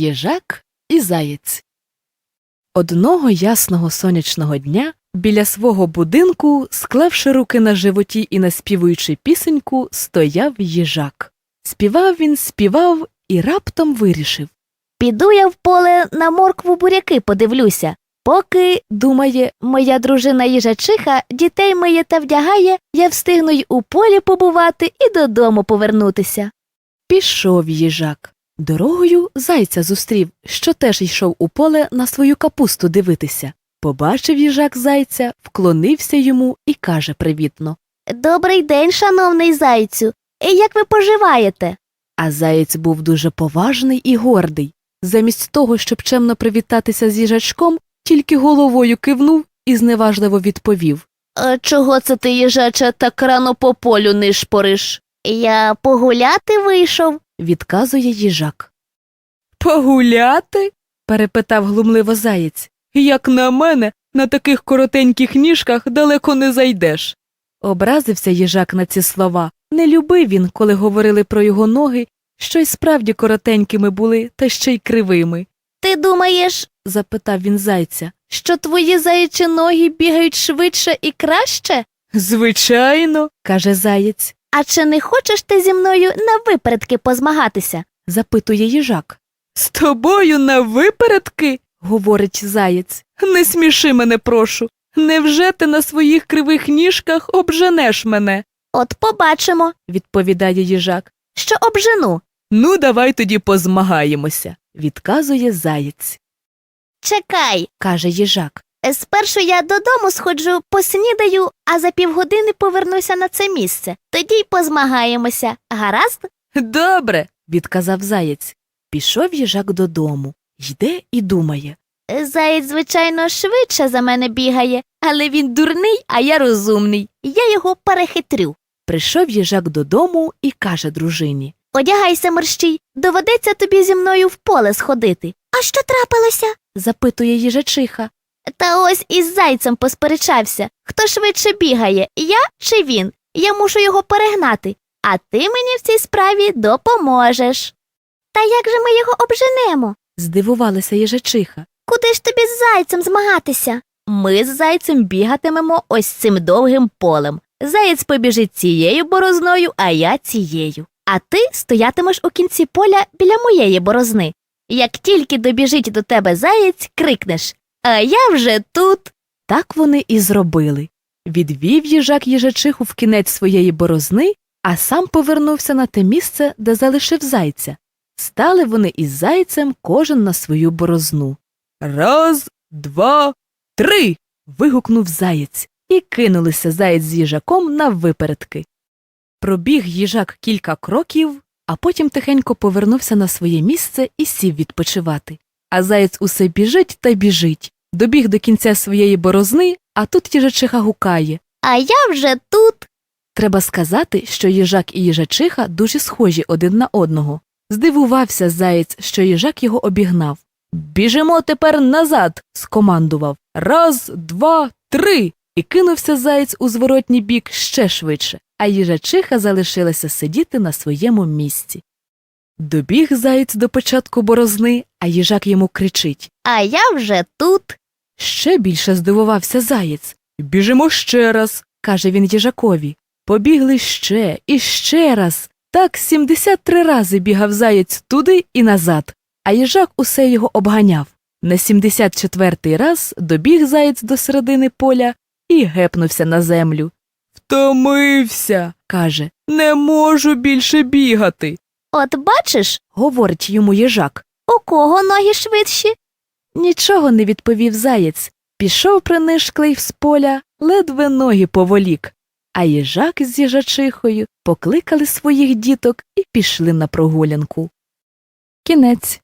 Їжак і заєць. Одного ясного сонячного дня біля свого будинку, склавши руки на животі і наспівуючи пісеньку, стояв їжак. Співав і раптом вирішив. Піду я в поле на моркву буряки подивлюся. Поки, думає, моя дружина їжачиха дітей миє та вдягає, я встигну й у полі побувати і додому повернутися. Пішов їжак. Дорогою зайця зустрів, що теж йшов у поле на свою капусту дивитися. Побачив їжак зайця, вклонився йому і каже привітно. «Добрий день, шановний зайцю! Як ви поживаєте?» А заєць був дуже поважний і гордий. Замість того, щоб чемно привітатися з їжачком, тільки головою кивнув і зневажливо відповів. «А чого це ти, їжаче, так рано по полю нишпориш? Я погуляти вийшов», – відказує їжак. «Погуляти?» – перепитав глумливо заєць. «Як на мене, на таких коротеньких ніжках далеко не зайдеш». Образився їжак на ці слова. Не любив він, коли говорили про його ноги, що й справді коротенькими були, та ще й кривими. «Ти думаєш, – запитав він зайця, – що твої заячі ноги бігають швидше і краще? «Звичайно», – каже заєць. А чи не хочеш ти зі мною на випередки позмагатися?» – запитує їжак. «З тобою на випередки?» – говорить заєць. «Не сміши мене, прошу. Невже ти на своїх кривих ніжках обженеш мене?» «От побачимо», – відповідає їжак. «Що обжену?» «Ну, давай тоді позмагаємося», – відказує заєць. «Чекай», – каже їжак. «Спершу я додому сходжу, поснідаю, а за півгодини повернуся на це місце. Тоді й позмагаємося. Гаразд?» «Добре», – відказав заєць. Пішов їжак додому. Йде і думає. «Заєць, звичайно, швидше за мене бігає, але він дурний, а я розумний. Я його перехитрю». Прийшов їжак додому і каже дружині. «Одягайся, мерщій, доведеться тобі зі мною в поле сходити». «А що трапилося?» – запитує їжачиха. «Та ось із зайцем посперечався. Хто швидше бігає, я чи він? Я мушу його перегнати, а ти мені в цій справі допоможеш». «Та як же ми його обженемо?» – здивувалася їжачиха. «Куди ж тобі з зайцем змагатися?» «Ми з зайцем бігатимемо ось цим довгим полем. Заєць побіжить цією борозною, а я цією. А ти стоятимеш у кінці поля біля моєї борозни. Як тільки добіжить до тебе заєць, крикнеш: «А я вже тут!» Так вони і зробили. Відвів їжак їжачиху в кінець своєї борозни, а сам повернувся на те місце, де залишив зайця. Стали вони із зайцем кожен на свою борозну. «Раз, два, три!» – вигукнув заєць, і кинулися заєць з їжаком наввипередки. Пробіг їжак кілька кроків, а потім тихенько повернувся на своє місце і сів відпочивати. А заєць усе біжить та біжить. Добіг до кінця своєї борозни, а тут їжачиха гукає: «А я вже тут!» Треба сказати, що їжак і їжачиха дуже схожі один на одного. Здивувався заєць, що їжак його обігнав. «Біжимо тепер назад!» – скомандував. «Раз, два, три!» І кинувся заєць у зворотній бік ще швидше, а їжачиха залишилася сидіти на своєму місці. Добіг заєць до початку борозни, а їжак йому кричить: «А я вже тут!» Ще більше здивувався заєць. «Біжимо ще раз!» – каже він їжакові. Побігли ще і ще раз. Так 73 рази бігав заєць туди і назад, а їжак усе його обганяв. На 74-й раз добіг заєць до середини поля і гепнувся на землю. «Втомився!» – каже. «Не можу більше бігати!» «От бачиш, – говорить йому їжак, – у кого ноги швидші?» Нічого не відповів заєць. Пішов принишклий з поля, ледве ноги поволік. А їжак з їжачихою покликали своїх діток і пішли на прогулянку. Кінець.